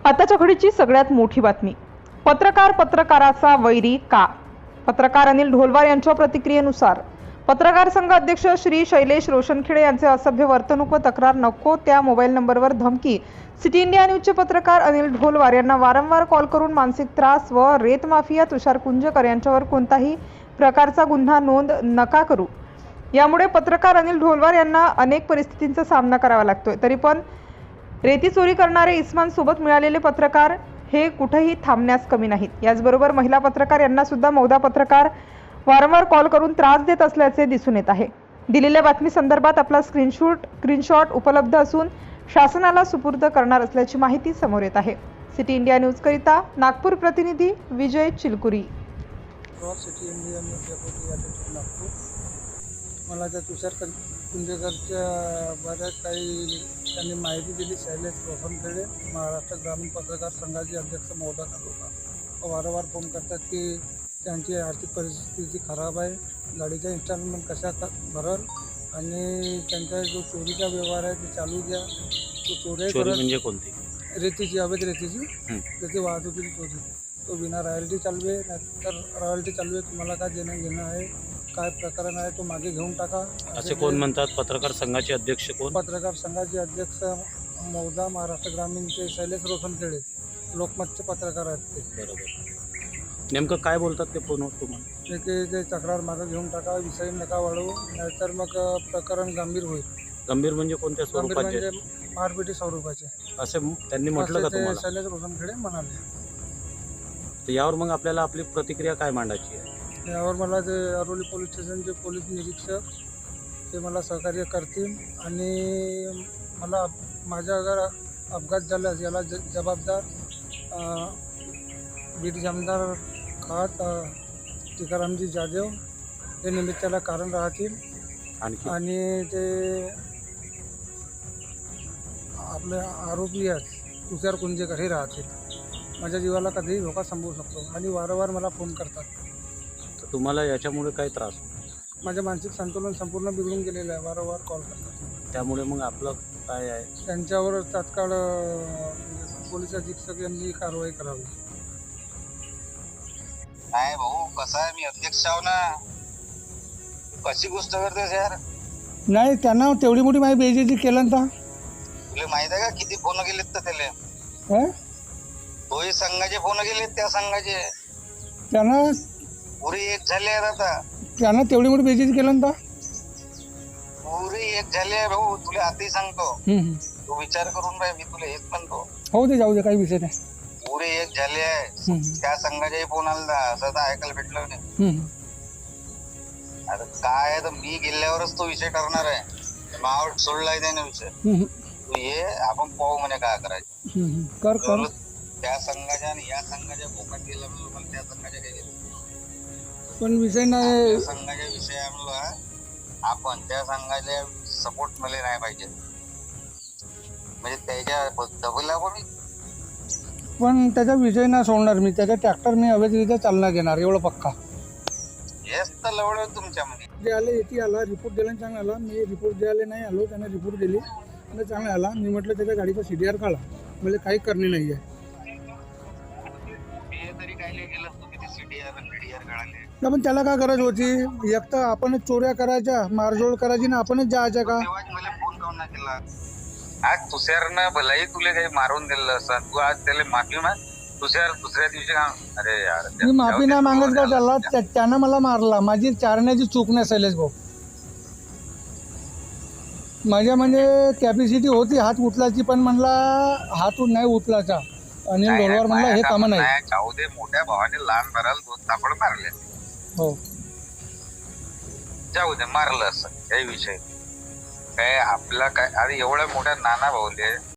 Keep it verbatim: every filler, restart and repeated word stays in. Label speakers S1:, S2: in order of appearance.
S1: आताच्या घडीची सगळ्यात मोठी बातमी. पत्रकार पत्रकाराचा वैरी का? पत्रकार अनिल ढोलवार यांच्या प्रतिक्रियेनुसार पत्रकार संघ अध्यक्ष श्री शैलेश रोशनखेडे यांचे असभ्य वर्तणूक व तक्रार नको त्या मोबाईल नंबरवर धमकी. सिटी इंडिया न्यूजचे पत्रकार अनिल ढोलवार यांना वारंवार कॉल करून मानसिक त्रास व रेत माफिया तुषार कुंजकर यांच्यावर कोणताही प्रकारचा गुन्हा नोंद नका करू. यामुळे पत्रकार अनिल ढोलवार यांना अनेक परिस्थितींचा सामना करावा लागतोय. तरी पण रेती चोरी करणारे इस्मानसोबत मिळालेले पत्रकार हे कुठेही थांबण्यास कमी नाहीत. याचबरोबर महिला पत्रकार यांना सुद्धा मौदा पत्रकार वारंवार कॉल करून त्रास देत असल्याचे दिसून येत आहे. दिलेल्या बातमी संदर्भात आपला स्क्रीनशॉट स्क्रीनशॉट उपलब्ध असून शासनाला सुपूर्द करणार असल्याची माहिती समोर येत आहे. सिटी इंडिया न्यूज करिता नागपूर प्रतिनिधी Vijay Chilkuri.
S2: City India news deputy editor Nagpur. मला त्या तुषार कुंजेकरच्या बऱ्याच काही त्यांनी माहिती दिली. शैलेश रोशनखेडे महाराष्ट्र ग्रामीण पत्रकार संघाचे अध्यक्ष मौदा तालुका वारंवार फोन करतात की त्यांची आर्थिक परिस्थिती खराब आहे, गाडीचा इन्स्टॉलमेंट कशा क भरल आणि त्यांचा जो चोरीचा व्यवहार आहे ते चालू द्या. तो चोरी
S3: चोरी म्हणजे कोणती?
S2: रेतीची, अवैध रेतीची रेती वाहतुकीची चोरी. तो बिना रॉयल्टी चालवे, नाहीतर रॉयल्टी चालवे, तुम्हाला काय देणं घेणं आहे, काय प्रकरण आहे तो मागे घेऊन टाका
S3: असे कोण म्हणतात? पत्रकार संघाचे अध्यक्ष कोण?
S2: पत्रकार संघाचे अध्यक्ष मौदा महाराष्ट्र ग्रामीणचे शैलेश रोशनखेडे, लोकमतचे पत्रकार आहेत ते.
S3: बरोबर. नेमकं काय बोलतात ते फोनवर तुम्हाला?
S2: ते ते तक्रार मागे घेऊन टाका, विषय नका वाढवू, नाहीतर मग प्रकरण गंभीर होईल.
S3: गंभीर म्हणजे कोणत्या
S2: गंभीर
S3: स्वरूपाचे?
S2: म्हणजे मारपिटी स्वरूपाचे
S3: असे त्यांनी म्हटलं का
S2: असे ते
S3: तुम्हाला?
S2: शैलेश रोशनखेडे म्हणाले.
S3: तर यावर मग आपल्याला आपली प्रतिक्रिया काय मांडायची आहे?
S2: यावर मला ते अरोली पोलीस स्टेशनचे पोलीस निरीक्षक ते मला सहकार्य करतील आणि मला माझ्या अगर अपघात झाल्यास याला ज जबाबदार बीड जामदार खात टिकारामजी जाधव हे निमित्ताला कारण राहतील.
S3: आणखी
S2: आणि ते आपले आरोपी आहेत तुषार कुंजेकर हे राहतील. माझ्या जीवाला कधीही धोका संभवू शकतो आणि वारंवार मला फोन करतात.
S3: तर तुम्हाला याच्यामुळे काय त्रास?
S2: माझे मानसिक संतुलन संपूर्ण बिघडून गेलेलं आहे. वारंवार कॉल करतात.
S3: त्यामुळे मग आपलं काय आहे?
S2: त्यांच्यावर तात्काळ पोलीस अधीक्षक यांनी कारवाई करावी.
S4: नाही भाऊ, कसं आहे, मी अध्यक्ष आहो ना. कशी गोष्ट करतेस यार?
S2: नाही, त्यांना तेवढी मोठी माझी बेइज्जती केलं ना.
S4: तुला माहित आहे का किती फोन गेलेत तर त्याला?
S2: हं?
S4: तोही संघाचे फोन गेलेत, त्या संघाचे
S2: त्यांना
S4: पुरी एक झाले आहेत आता.
S2: त्यांना तेवढी मोठी बेइज्जती केलं ना.
S4: पुरी एक झाले आहे भाऊ, तुला आताही सांगतो.
S2: हम्म.
S4: तू विचार करून पाहिजे, मी तुला हेच म्हणतो.
S2: हो दे, जाऊ दे, काही विषय नाही.
S4: पुरे एक झाले आहे.
S2: हम्म.
S4: त्या संघाच्याही फोन आला, असं तर ऐकायला भेटलं नाही.
S2: हम्म.
S4: आता काय आहे तर मी गेल्यावरच तो विषय ठरणार आहे. मावट सोडलाय त्याने विषय.
S2: हम्म.
S4: तू ये, आपण पाहू म्हणे काय करायचं.
S2: हम्म. कर कर
S4: त्या संघाच्या आणि या संघाच्या भोकात गेला म्हणलं, मला त्या संघाच्या काही गेलं.
S2: पण विषय नाही.
S4: त्या संघाच्या विषय म्हणलं आपण त्या संघाच्या सपोर्ट मध्ये नाही पाहिजे, म्हणजे त्याच्या दबला पण.
S2: पण त्याचा विषय नाही सोडणार मी. त्याचा ट्रॅक्टर मी अवैधरित्या चालना घेणार, एवढं पक्का.
S4: हेच तर लवड तुमच्यामध्ये.
S2: जे आले येते आला, रिपोर्ट द्यायला चांगला आला. मी रिपोर्ट द्यायला नाही आलो, त्याने रिपोर्ट दिली आणि चांगला आला. मी म्हटलं त्याच्या गाडीचा सी डी आर काढा, म्हणजे काही करणे नाही आहे.
S4: तरी काय नाही केलं तू, किती सीडीआर बीडीआर काढाले.
S2: पण त्याला काय गरज होती? एक तर आपणच चोऱ्या करायच्या, मारझोड करायची ना, आपणच जायचं का?
S4: तेव्हाच मला फोन काऊन नाही केला? आज तुषारनं भलाही तुला काही मारून दिलं असं, तू आज त्याला माफी माग. तुषार दुसऱ्या दिवशी का? अरे यार,
S2: मी माफी नाही मागत का त्याला? त्यानं मला मारला, माझी चारण्याची चूक नाही शैलेश भाऊ. माझ्या म्हणजे कॅपॅसिटी होती हात उचलायची, पण म्हणला हात नाही उचलायचा. आणि ढोलवार म्हणला हे कामं नाही.
S4: जाऊ दे, मोठ्या भावाने लहान भराल दोन तापड मारले.
S2: हो,
S4: जाऊ दे, मारलं असं काही विषय काय आपला काय. अरे एवढ्या मोठ्या नाना भाऊले